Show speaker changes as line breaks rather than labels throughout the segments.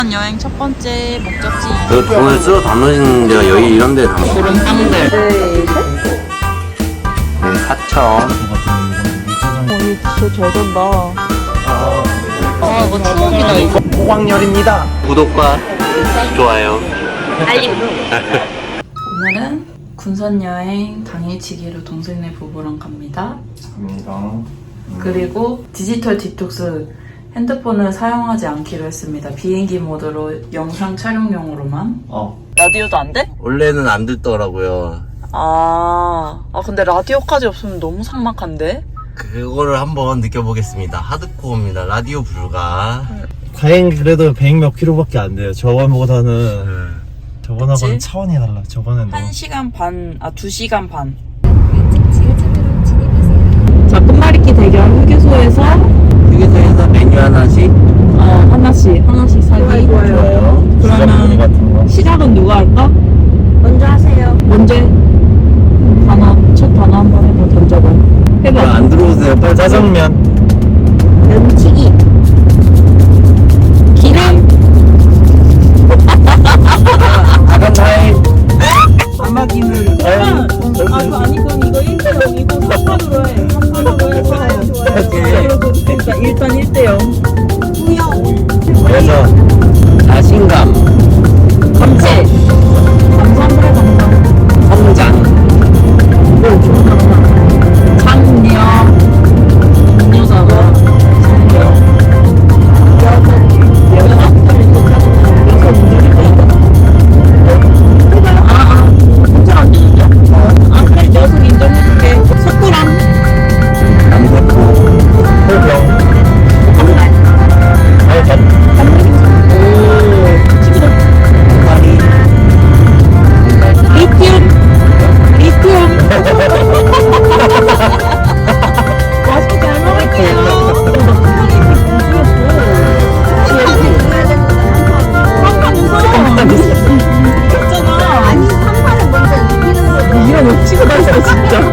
여행 첫 번째 목적지
그 돈을 쓰러 담으시는 데가 여기 이런 데 담으시는
그런 땅들.
네, 4천.
이거 진짜 잘 된다. 아, 이거 추억이다, 이거.
호광열입니다. 구독과 좋아요.
알림. 오늘은 군산 여행 당일치기로 동생네 부부랑 갑니다. 그리고 디지털 디톡스 핸드폰을 사용하지 않기로 했습니다. 비행기 모드로 영상 촬영용으로만. 라디오도 안 돼?
원래는 안 듣더라고요.
근데 라디오까지 없으면 너무 삭막한데?
그거를 한번 느껴보겠습니다. 하드코어입니다. 라디오 불가.
다행히 그래도 100 몇 킬로밖에 안 돼요. 저번보다는 저번하고는
그치?
차원이 달라. 저번엔 너무
1시간 반, 2시간 반. 자, 끝말잇기 대결 휴게소에서
휴게소에서 메뉴 하나씩.
하나씩 사기.
좋아요.
그러면
같은 거.
시작은 누가 할까?
먼저 하세요.
먼저 첫 단어 한번 해봐. 던져봐. 해봐.
안 들어오세요. 빨리
짜장면.
면치기.
기름.
아간 타임.
안마기물. 그거 아니고 이거 1대0이고 3판으로 해. 3판으로 해서. 그러니까 일단 1대0.
그래서
자신감.
감지. 감사합니다.
성장.
장력. 음료사가 장력. 그래, 녀석 인정해줄게. 석구랑
남대포.
호병.
파리.
리튬. 맛있게 잘 먹을게요. 했잖아.
아니, 3판을 먼저 이기는 거죠.
이런 억지가 났어 진짜.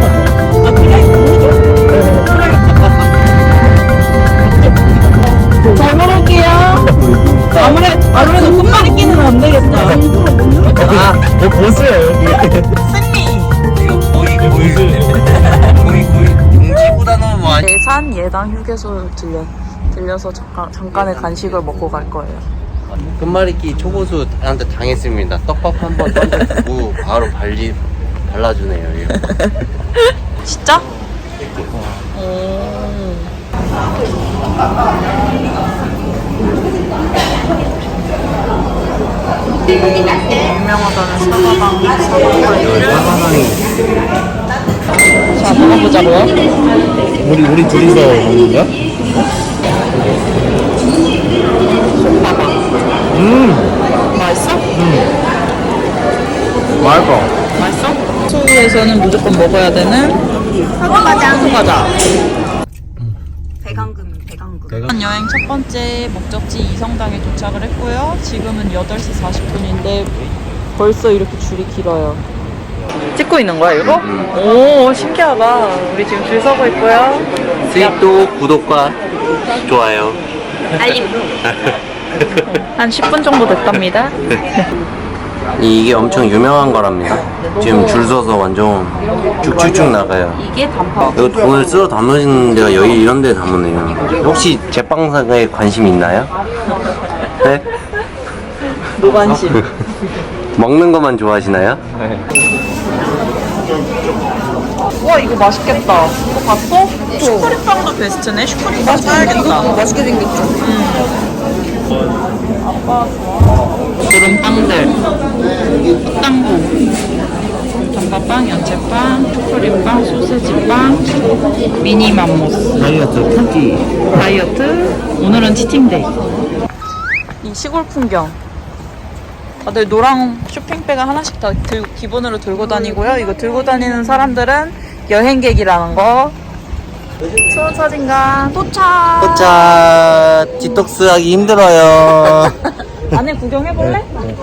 잘 먹을게요. 아무래도 끝말잇기는 안 되겠다.
뭐 보세요 여기.
승리.
이거 거의 용지보다 너무 많이.
대산 예당 휴게소 들려서 잠깐의 간식을 먹고 갈 거예요.
끝말잇기 초고수한테 당했습니다. 떡밥 한 번 던져주고 바로 발라주네요. 이거.
진짜? 유명하다는 사과방 자, 먹어보자고요.
우리 둘이서 먹는 거야?
맛있어?
맛있어.
맛있어? 소에서는 무조건 먹어야 되는 사과과자.
배강금.
여행 첫 번째 목적지 이성당에 도착을 했고요. 지금은 8시 40분인데 벌써 이렇게 줄이 길어요. 찍고 있는 거야 이거? 오, 신기하다. 우리 지금 줄 서고 있고요.
스윗도 구독과 좋아요.
알림.
한 10분 정도 됐답니다.
이게 엄청 유명한 거랍니다. 지금 줄 서서 완전 쭉쭉쭉 나가요.
이게 단팥.
이거 돈을 쓰러 담으시는 데가 여기 이런 데 담으네요. 혹시 제빵사에 관심 있나요? 네?
노관심.
먹는 것만 좋아하시나요?
와, 이거 맛있겠다. 이거 봤어? 슈크림빵도 베스트네. 슈크림빵 사야겠다. 맛있게 생겼죠? 아빠 좋아. 그런 빵들. 떡당구, 단팥빵, 연체빵, 초콜릿빵, 소세지빵, 미니 맘모스.
다이어트 쿠키.
다이어트. 오늘은 치팅데이. 이 시골 풍경. 다들 노랑 쇼핑백을 하나씩 다 기본으로 들고 다니고요. 이거 들고 다니는 사람들은 여행객이라는 거. 수원 사진관 도착.
도착. 디톡스 하기 힘들어요.
안에 구경해볼래?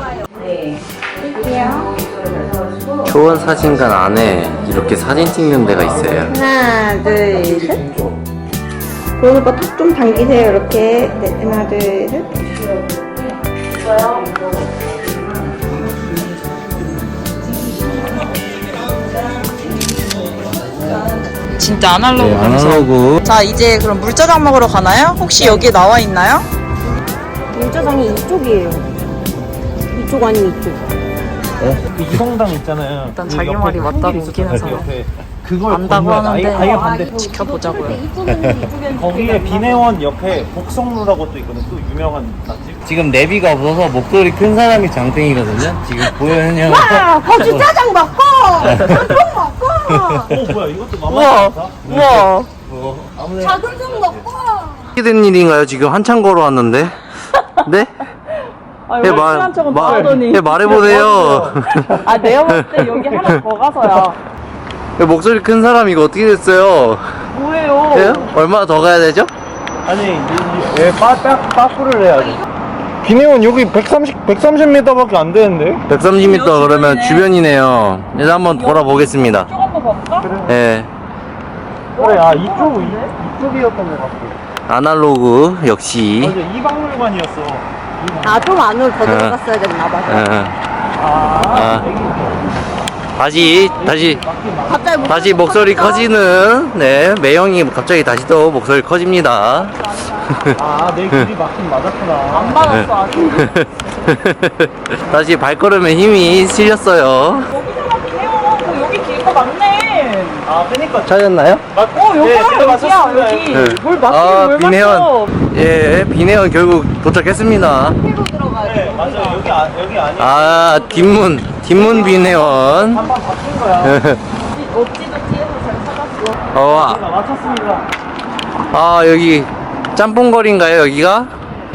초원 사진관 안에 이렇게 사진 찍는 데가 있어요.
하나, 둘, 셋. 도원 오빠 턱 좀 당기세요, 이렇게. 네, 하나, 둘, 셋.
진짜 아날로그
네,
감성.
아날로그.
자, 이제 그럼 물짜장 먹으러 가나요? 혹시 여기에 나와 있나요?
물짜장이 이쪽이에요. 이쪽 아니면 이쪽.
그 이성당 있잖아요.
일단
그
자기
옆에
말이
큰
맞다고
길
웃기는
있었잖아요,
사람.
옆에. 그걸
안다고
건너야 돼.
하는데
아예 반대.
지켜보자고요.
거기에 비내원 옆에 복성루라고 또 있거든. 또 유명한 맛집.
지금 내비가 없어서 목소리 큰 사람이 장땡이거든요. 지금 보현이 형.
거주 짜장 먹고 짬뽕 먹고
뭐야 이것도
우와,
만만하다.
우와.
작은 좀 먹고.
어떻게 된 일인가요? 지금 한참 걸어왔는데. 네?
아,
해
여기 친한 척은 다 하더니.
말해보세요.
아, 내가 봤을 때 여기 하나 더 가서야.
목소리 큰 사람 이거 어떻게 됐어요?
뭐예요?
예? 얼마나 더 가야 되죠?
아니 왜 빠꾸를 해야지. 비내원 여기 130m밖에 안 되는데.
130m 그러면 주변이네요. 일단 한번 돌아보겠습니다.
쭉 한번 볼까?
예.
그래 이쪽이었던 것 같아.
아날로그 역시.
맞아 이 박물관이었어.
아, 좀 안으로 더 들어갔어야 됐나 봐.
다시
갑자기
목소리 커지는 네 매형이 갑자기 다시 또 목소리 커집니다.
내 길이 맞긴 맞았구나.
안 받았어, 아직.
다시 발걸음에 힘이 실렸어요.
여기서 맞긴 해요. 여기 길거 맞네.
그니까
찾았나요?
여기야, 여기.
네.
뭘 맞긴 뭘
비내원.
맞어.
예, 비내원 결국 도착했습니다.
네 맞아 여기 아니야.
아, 뒷문 비내원.
한번 바뀐 거야.
어찌도 뒤에서 잘 찾았어.
맞췄습니다.
여기 짬뽕거리인가요, 여기가?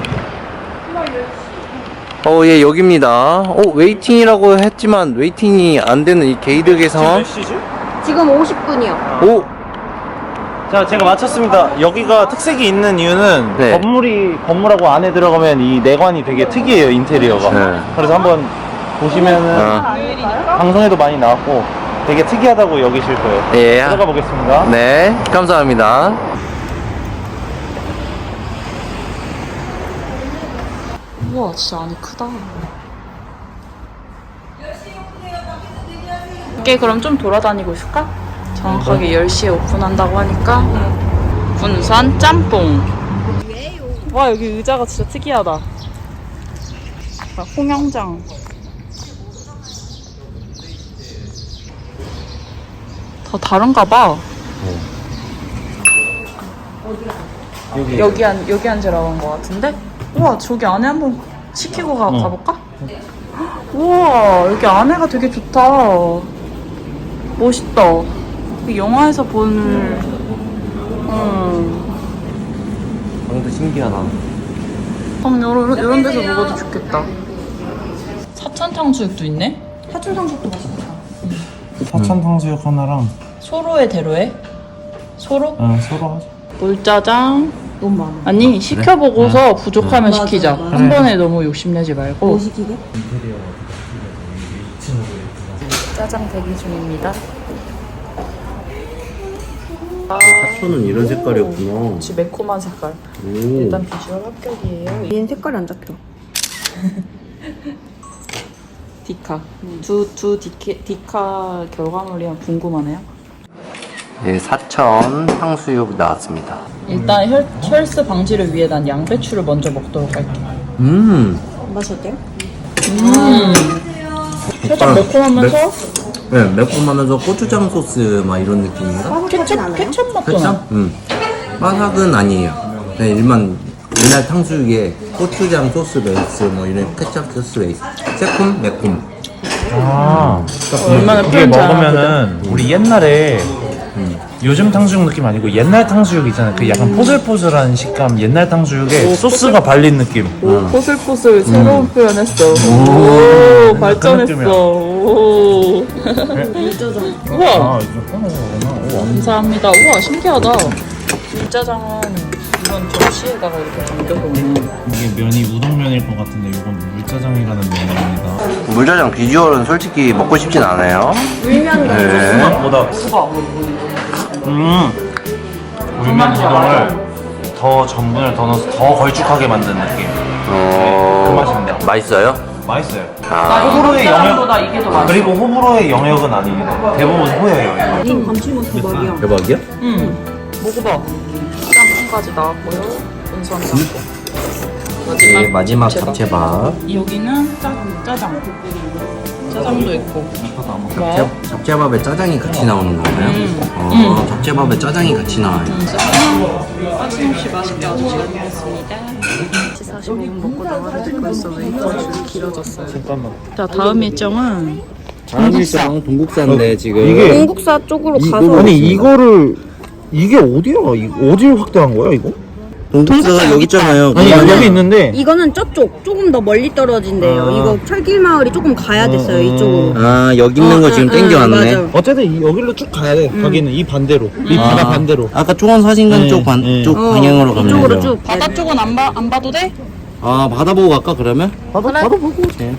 예, 여기입니다. 웨이팅이라고 했지만 웨이팅이 안 되는 이 게이드 개성.
몇 시지?
지금 50분이요.
오,
자 제가 맞췄습니다. 여기가 특색이 있는 이유는
네.
건물하고 안에 들어가면 이 내관이 되게 특이해요 인테리어가.
네.
그래서 한번 보시면은 방송에도 많이 나왔고 되게 특이하다고 여기실 거예요.
예.
들어가 보겠습니다.
네, 감사합니다.
우와, 진짜 안이 크다. 이게 그럼 좀 돌아다니고 있을까? 정확하게 10시에 오픈한다고 하니까 군산 짬뽕. 와, 여기 의자가 진짜 특이하다. 홍영장. 다 다른가 봐. 여기 앉으라고 한 거 같은데? 우와, 저기 안에 한번 시키고 가볼까? 우와, 여기 안에가 되게 좋다. 멋있다. 이 영화에서 본,
방도 신기하다.
이런 데서 먹어도 좋겠다. 사천 탕수육도 있네?
사촌 상속도 맛있다.
사천 탕수육 하나랑
소로에 대로에? 소로?
서로 하자.
물짜장.
너무 많아.
아니, 시켜보고서 부족하면 시키자. 한 번에 너무 욕심내지 말고.
뭐 시키게?
짜장 대기 중입니다.
하초는 이런 색깔이었구나.
역시 매콤한 색깔.
오.
일단 비주얼 합격이에요.
얘는 색깔이 안 잡혀.
디카. 디카 결과물이 궁금하네요.
네, 사천 탕수육 나왔습니다.
일단 혈스 방지를 위해 난 양배추를 먼저 먹도록 할게.
맛이 어때요?
살짝 매콤하면서
네, 매콤하면서 고추장 소스 막 이런 느낌인가?
케첩 맛도 나.
바삭은 아니에요. 그냥 일반 옛날 탕수육에 고추장 소스 베이스 뭐 이런 케찹 소스 베이스. 새콤, 매콤.
얼마나
그게
표현
먹으면은 우리 옛날에 요즘 탕수육 느낌 아니고 옛날 탕수육 있잖아요. 그 약간 포슬포슬한 식감. 옛날 탕수육에 소스가 발린 느낌.
오, 포슬포슬 새로운 표현했어. 오, 발전했어.
느낌이야.
오. 우와,
우와.
감사합니다. 우와, 신기하다. 물짜장은 이런 접시에다가 이렇게 담겨놓는.
이게 면이 우동면일 것 같은데 이건 물짜장이라는 면입니다.
물짜장 비주얼은 솔직히 먹고 싶진 않아요.
물면
네.
생각보다 물면 우동을 더 전분을 더 넣어서 더 걸쭉하게 만든 느낌. 그 맛입니다.
맛있어요?
맛있어요.
아,
호불호의
짜장보다 이게 더 맛있어.
그리고 호불호의 영역은 아닙니다. 대부분 호의 영역.
좀 감칠맛 대박이야.
대박이야?
먹어봐. 짬뽕까지 나왔고요. 은선 짬뽕.
네, 마지막 잡채밥.
여기는 짜장. 짜장도 있고.
잡채밥에 짜장이 같이 나오는 건가요? 잡채밥에 짜장이 같이 나와요.
빠짐없이 맛있게 아주 잘 먹었습니다. 45분 먹고 나가는데 벌써 웨이터 줄이 길어졌어요.
잠깐만.
자, 다음 일정은
다음 일정 동국사인데 지금
이게
중국사 쪽으로 가서
아니 이거를 이게 어디야? 어디를 확대한 거야 이거?
동국사가 여기 있잖아요.
아니
이거는-
여기 있는데
이거는 저쪽 조금 더 멀리 떨어진대요.
아.
이거 철길 마을이 조금 가야 됐어요. 이쪽으로.
아 여기 있는 거 지금 땡겨왔네.
맞아.
어쨌든 여기로 쭉 가야 돼. 거기는 이 반대로 이 바다 반대로.
아까 초원 사진관
네,
쪽
네.
쪽 방향으로 가면
이쪽으로
되죠.
쭉.
바다 쪽은 안 봐도 돼?
아 바다 보고 갈까 그러면?
바다 보고.
네.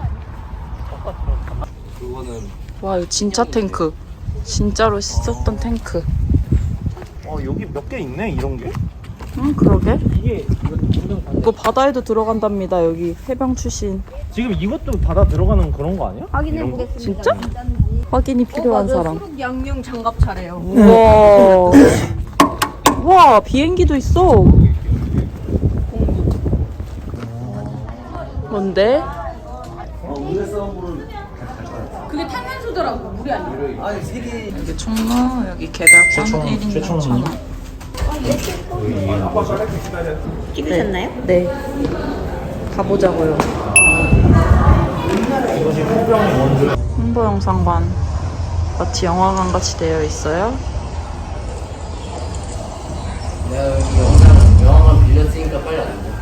와, 이거 진짜 탱크. 진짜로 씻었던 탱크.
여기 몇 개 있네 이런 게.
응, 그러게.
이게
이거 바다에도 들어간답니다. 여기 해병 출신.
지금 이것도 바다 들어가는 그런 거 아니야?
확인해
이런 거?
보겠습니다.
진짜? 확인이 필요한 사람.
수륙 양용 장갑 차래요.
우와. 와, 비행기도 있어. 뭔데?
그게 탄산수더라고. 물이 아니야.
여기 총무, 여기 개별권 1인 6,000원.
찍으셨나요?
네. 가보자고요. 홍보 영상관. 마치 영화관 같이 되어 있어요.
영화만 빌렸으니까 빨리 안 돼.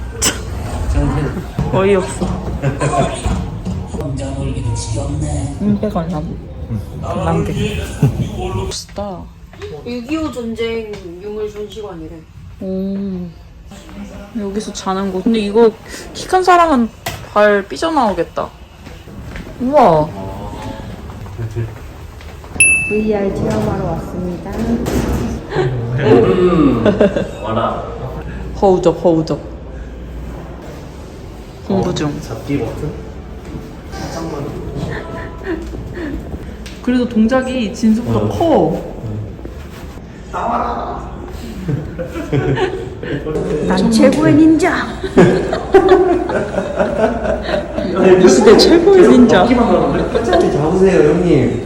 어이없어. 100원 관람객. 멋있다.
6.25 전쟁 유물 전시관이래.
여기서 자는 곳. 근데 이거 키 큰 사람은 발 삐져나오겠다. 우와.
VR 체험하러 왔습니다.
허우적. 공부 중.
잡기 버튼?
그래도 동작이 진수보다 커.
난 최고의 닌자.
이 시대 최고의 닌자.
잡으세요 형님.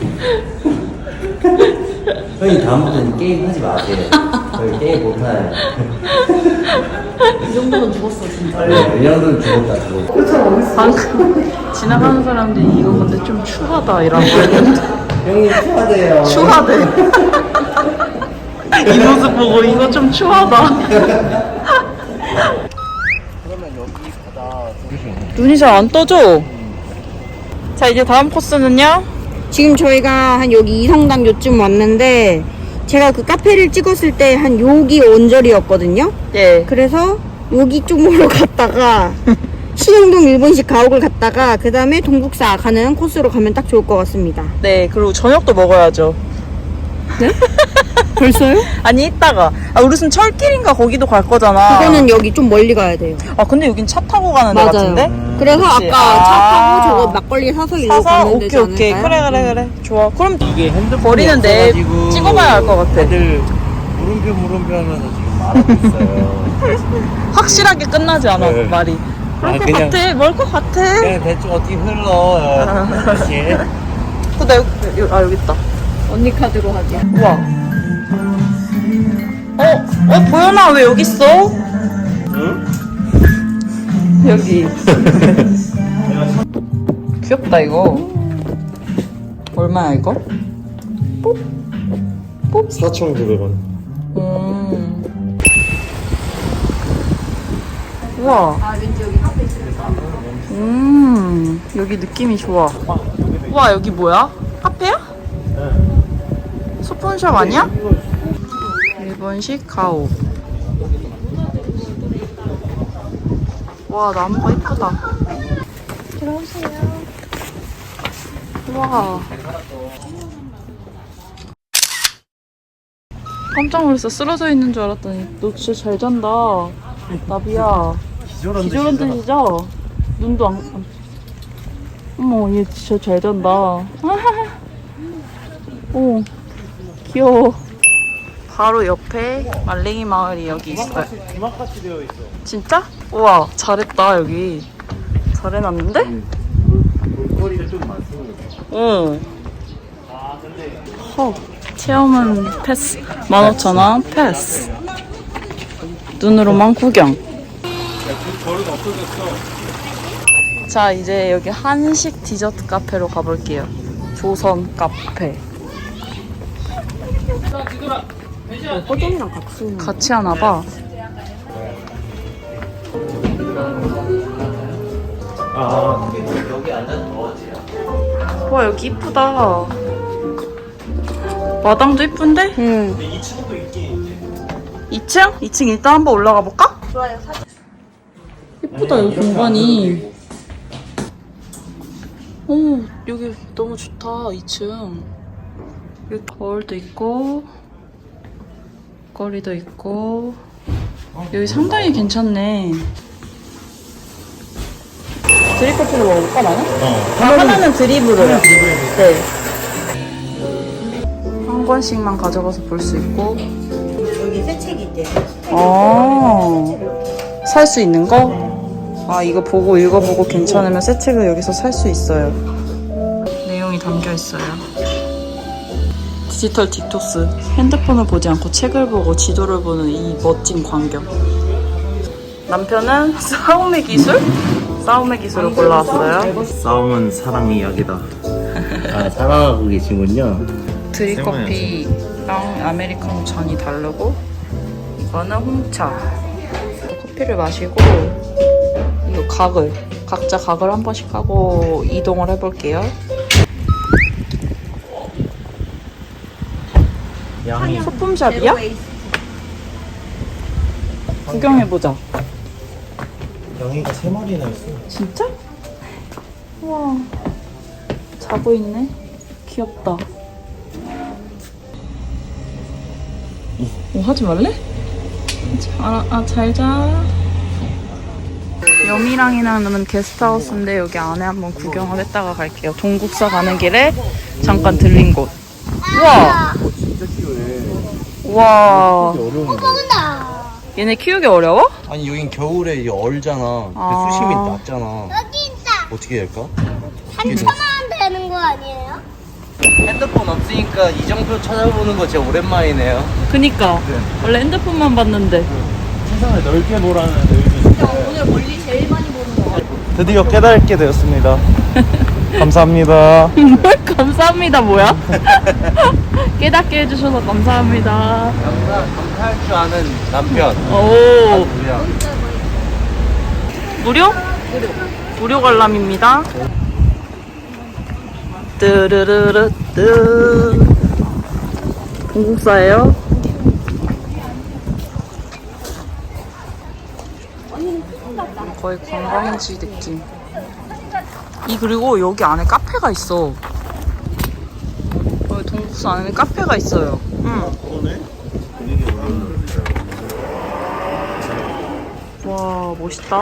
형님 다음부터는 게임 하지 마세요. 저희 게임 못해요.
이 정도면 죽었어 진짜.
네, 이 정도는 죽었다.
방금 지나가는 사람들이 이거 근데 좀 추하다 이라고 했는데.
형님 추하대요.
추하대. 이 모습 보고 이거 좀 추하다. 눈이 잘 안 떠져. 자, 이제 다음 코스는요?
지금 저희가 한 여기 이성당 요쯤 왔는데 제가 그 카페를 찍었을 때 한 여기 언저리였거든요.
예.
그래서 여기 쪽으로 갔다가 신영동 일본식 가옥을 갔다가 그 다음에 동국사 가는 코스로 가면 딱 좋을 것 같습니다.
네, 그리고 저녁도 먹어야죠.
네? 벌써요?
아니, 이따가. 아, 우리는 철길인가 거기도 갈 거잖아.
그거는 여기 좀 멀리 가야 돼요.
아, 근데 여긴 차 타고 가는 데
맞아요.
같은데?
그래서
그치?
아까
아.
차 타고 저거 막걸리 사서 일로
사서
가면
오케이
되지
오케이.
않을까요?
그래. 좋아. 그럼
이게 핸드폰이
버리는 내
없어가지고
찍어봐야 알 것 같아.
애들 물음표 하면서 지금 말하고 있어요.
확실하게 끝나지 않아,
네.
말이. 그럴
아,
것
그냥-
같아. 뭘 것 같아.
그냥 대충 어떻게 흘러. 이렇게.
여기 있다.
언니 카드로 하자.
우와. 보현아, 왜 여기 있어?
응?
여기. 귀엽다, 이거. 얼마야, 이거?
4,900원.
우와.
아 왠지 여기 카페 있을까?
여기 느낌이 좋아. 우와, 여기 뭐야? 카페야? 소품샵 아니야? 일본식 가오. 와, 나무가 이쁘다. 들어오세요. 와. 깜짝 놀랐어. 쓰러져 있는 줄 알았더니 너 진짜 잘 잔다. 나비야. 기절한 듯이죠? 눈도 안. 어머, 얘 진짜 잘 잔다. 오, 귀여워. 바로 옆에 말랭이 마을이 여기 있어요.
주막같이 되어 있어.
진짜? 우와, 잘했다, 여기. 잘해놨는데?
볼거리가 좀 많습니다.
응.
아 근데
헉. 체험은 패스. 15,000원 패스. 눈으로만 구경.
버릇 없어졌어.
자, 이제 여기 한식 디저트 카페로 가볼게요. 조선 카페.
호동이랑 같이.
같이 하나봐.
아
여기 앉아서 더워지요.
와, 여기 이쁘다. 마당도 이쁜데?
응.
2층도 있긴 있지.
2층? 2층 일단 한번 올라가 볼까? 좋아요. 이쁘다, 여기 공간이. 오, 여기 너무 좋다, 2층. 여기 거울도 있고, 거리도 있고. 여기 상당히 괜찮네. 드립 커피로 먹을까, 나는? 하나는 드립으로요. 네. 한 권씩만 가져가서 볼 수 있고.
여기 새 책이 있대.
살 수 있는 거? 아, 이거 보고 읽어보고 괜찮으면 새 책을 여기서 살 수 있어요. 내용이 담겨 있어요. 디지털 딕토스. 핸드폰을 보지 않고 책을 보고 지도를 보는 이 멋진 광경. 남편은 싸움의 기술? 싸움의 기술을 골라왔어요.
싸움은 사랑 이야기다.
아, 사랑하고 계시군요.
드립커피랑 아메리카노 잔이 다르고, 이거는 홍차. 커피를 마시고, 이거 각자 각을 한 번씩 하고 이동을 해볼게요.
양이
소품샵이야? 구경해보자.
양이가 3마리나 있어.
진짜? 우와, 자고 있네. 귀엽다. 하지 말래? 잘 자. 여미랑이라는 게스트하우스인데 여기 안에 한번 구경을 했다가 갈게요. 동국사 가는 길에 잠깐 들린 곳. 우와!
진짜 키우네.
우와.
어려운데.
얘네 키우기 어려워?
아니 여긴 겨울에 이게 얼잖아.
아.
수심이 낮잖아.
여기 있다.
어떻게 할까?
3,000원 되는 거 아니에요?
핸드폰 없으니까 이정표 찾아보는 거 진짜 오랜만이네요.
그니까. 원래 핸드폰만 봤는데.
세상을 넓게 보라는 의미인데 오늘 멀리 제일 많이 보는 거 드디어 깨닫게 되었습니다. 감사합니다.
뭘 감사합니다, 뭐야? 깨닫게 해주셔서 감사합니다.
감사할 줄 아는 남편.
오.
무려?
무료? 무료 관람입니다. 뜨르르르 뜨. 동국사예요. 거의 관광지 느낌. 그리고 여기 안에 카페가 있어. 여기 동국사 안에 카페가 있어요. 응. 와, 멋있다.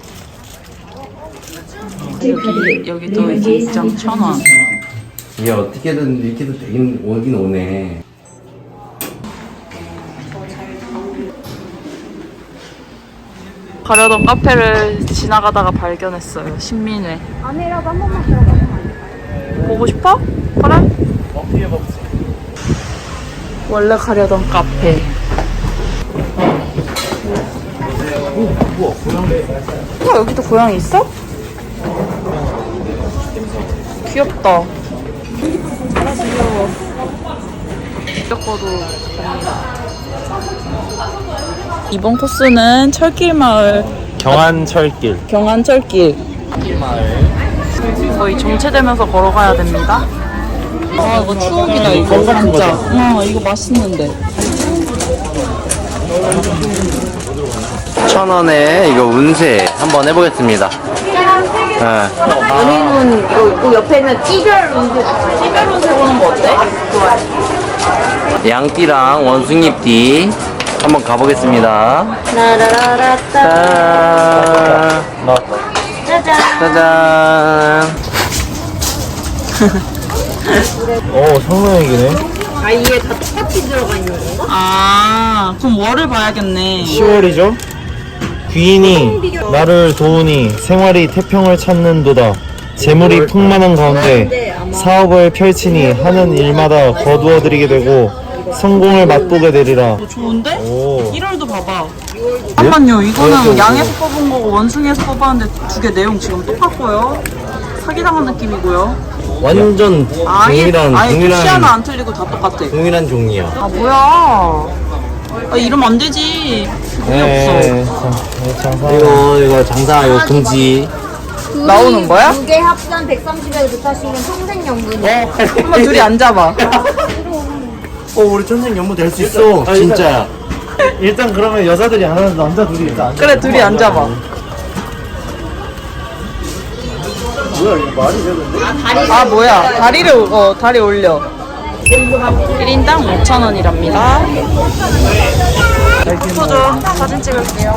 여기도 이제 입장 1,000원.
얘 어떻게든 이렇게도 되긴 오긴 오네.
가려던 카페를 지나가다가 발견했어요. 신민회.
안에라도 한 번만 들어가면 안 돼?
보고 싶어? 그래?
어떻게 해봤어?
원래 가려던 카페. 우와, 여기도 고양이 있어? 귀엽다. 귀여워. 겪어도 됩니다. 이번 코스는 철길마을,
경안철길.
경안철길. 거의 정체되면서 걸어가야 됩니다. 아, 이거 추억이다, 이거.
건강한
진짜.
거죠?
이거 맛있는데.
1,000원에 이거 운세 한번 해보겠습니다. 네.
연예인은 이거 있고 옆에는 찌별
찌개로 세보는 거 어때?
양띠랑 원숭이띠 한번 가보겠습니다.
라라라라따
짠.
나왔다.
짜잔.
성명얘기네.
아 이게 다 똑같이 들어가 있는 건가?
아, 그럼 월을 봐야겠네.
10월이죠? 귀인이 나를 도우니 생활이 태평을 찾는도다. 재물이 풍만한 가운데 사업을 펼치니 하는 일마다 거두어드리게 되고 성공을 맛보게 되리라.
좋은데?
오.
1월도 봐봐. 잠깐만요. 이거는 양에서 뽑은 거고 원숭이에서 뽑았는데 두 개 내용 지금 똑같고요. 사기당한 느낌이고요.
완전
아예 시 하나
동일한
안 틀리고 다 똑같아.
동일한 종이야.
아 뭐야? 아, 이러면 안 되지. 돈이 없어.
이거 장사 이거 금지.
나오는 거야?
두개 합산 130에 붙하시면 평생연금.
한번 둘이 앉아봐.
우리 천생 연모 될 수 있어. 진짜야.
일단 그러면 여자들이 안 하는 남자 둘이 일단 앉아.
그래 둘이 앉아봐.
뭐야 이거 말이 되는데?
아 뭐야? 다리 올려. 1인당 5,000원이랍니다. 포토 사진 찍을게요.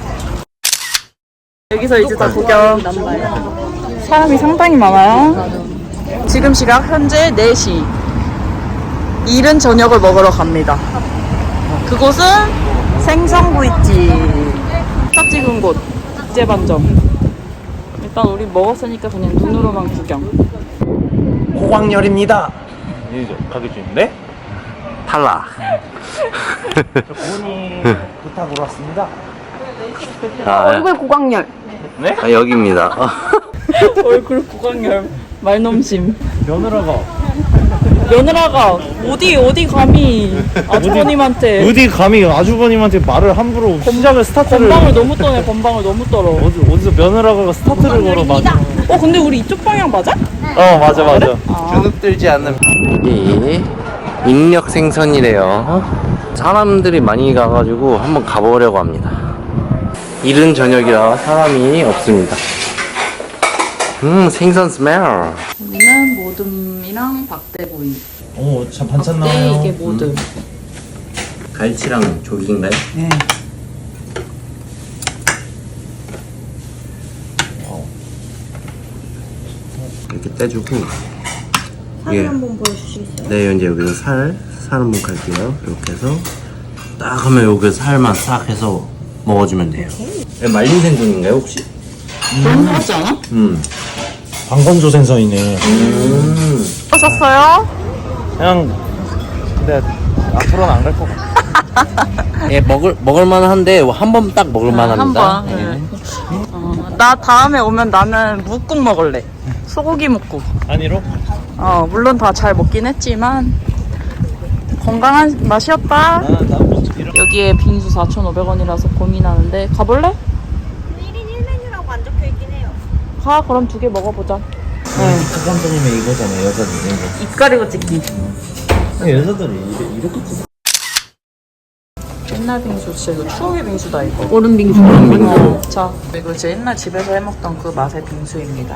여기서 이제 다 구경. 사람이 상당히 많아요. 지금 시각 현재 4시. 이른 저녁을 먹으러 갑니다. 그곳은 생선구이집. 딱 찍은 곳. 국제반점. 일단 우리 먹었으니까 그냥 눈으로만 구경.
호광열입니다. 이제 가게 중인데?
탈락.
부모님 부탁으로 왔습니다.
얼굴 고광열.
네?
여기입니다.
얼굴 고강열 말넘심.
며느라가
어디 감히 아주버님한테
어디 감히 아주버님한테 말을 함부로 시작을 스타트를
건방을 너무 떠네. 건방을 너무 떨어.
어디서 며느라가 스타트를 걸어 맞아.
근데 우리 이쪽 방향 맞아?
맞아.
주눅 들지 않는 이 인력 생선이래요. 사람들이 많이 가가지고 한번 가보려고 합니다. 이른 저녁이라 사람이 없습니다. 생선 스멜.
여기는 모듬이랑 박대구이.
참 반찬
네,
나와요.
이게 모듬.
갈치랑 조기인가요?
네.
이렇게 떼주고.
사진 한번 보여주시겠어요?
네, 이제 여기서 살 한번 갈게요. 이렇게 해서 딱 하면 여기 살만 싹 해서 먹어주면 돼요. 말린 생선인가요 혹시?
너무 하지 않아?
방건조 생선이네.
하셨어요?
그냥 근데 앞으로는 안 갈 것 같아.
예, 먹을만 한데 한 번 딱 먹을만 합니다.
한 번. 나 다음에 오면 나는 묵국 먹을래. 소고기 묵국.
아니로?
물론 다 잘 먹긴 했지만 건강한 맛이었다. 여기에 빙수 4,500원이라서 고민하는데 가볼래?
1인 1메뉴라고 안 적혀있긴 해요.
가. 그럼 2개 먹어보자.
사장님의 이거잖아 여자들
입 가리고 찍기.
여자들이 이렇게 찍어.
옛날 빙수 진짜 이거 추억의 빙수다 이거.
얼음 빙수.
자, 이거 제 옛날 집에서 해먹던 그 맛의 빙수입니다.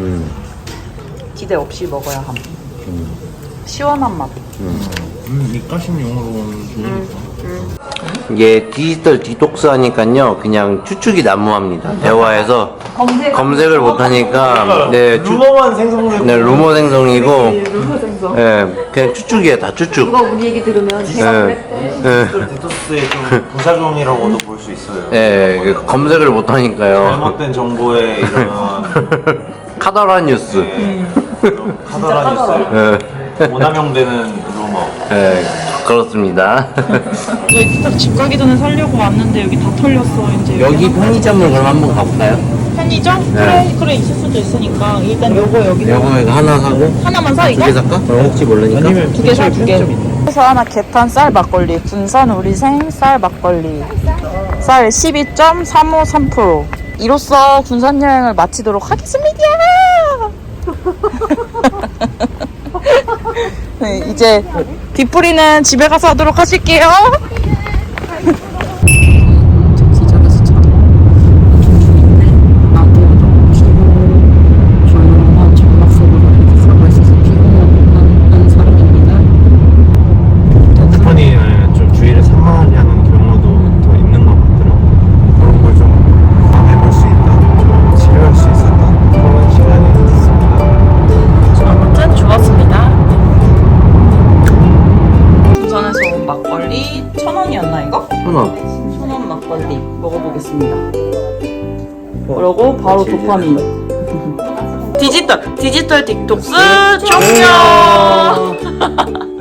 기대 없이 먹어야 함. 시원한 맛.
입가심용으로 좋으니까.
이게 디지털 디톡스 하니까요 그냥 추측이 난무합니다. 대화에서 검색을 못하니까
루머만 생성되고.
네, 루머 생성이고 네, 그냥 추측이에요. 다 추측.
누가 우리 얘기 들으면
디톡스의 좀 부작용이라고도 볼 수 있어요.
네, 검색을 못하니까요.
잘못된 정보에 이런
카더라 뉴스.
카더라 뉴스 오남용되는 루머.
네, 그렇습니다.
저희 딱 집 가기 전에 살려고 왔는데 여기 다 털렸어 이제.
여기 편의점을 그럼 한번 가볼까요?
편의점?
네.
그래 있을 수도 있으니까 일단 요거 여기
이거 하나 사고
하나만 사 이거?
2개 살까? 혹시 모르니까.
아니면
두 개 사, 두 개. 그래서 하나 개판 쌀 막걸리, 군산 우리생 쌀 막걸리. 쌀 12.353%. 이로써 군산 여행을 마치도록 하겠습니다. 네, 이제 뒷풀이는 집에 가서 하도록 하실게요. 기절해서 참 조용한 전막 속으로 들어가 있어서 피곤한 사람입니다.
핸드폰이 좀 주의를 산만하게 경우도 더 있는 것 같더라고요. 그런 걸 좀 해볼 수 있다, 좀 치료할 수 있었다.
천원 막걸리 먹어보겠습니다. 그리고 바로 도파민. 디지털 틱톡스 종료.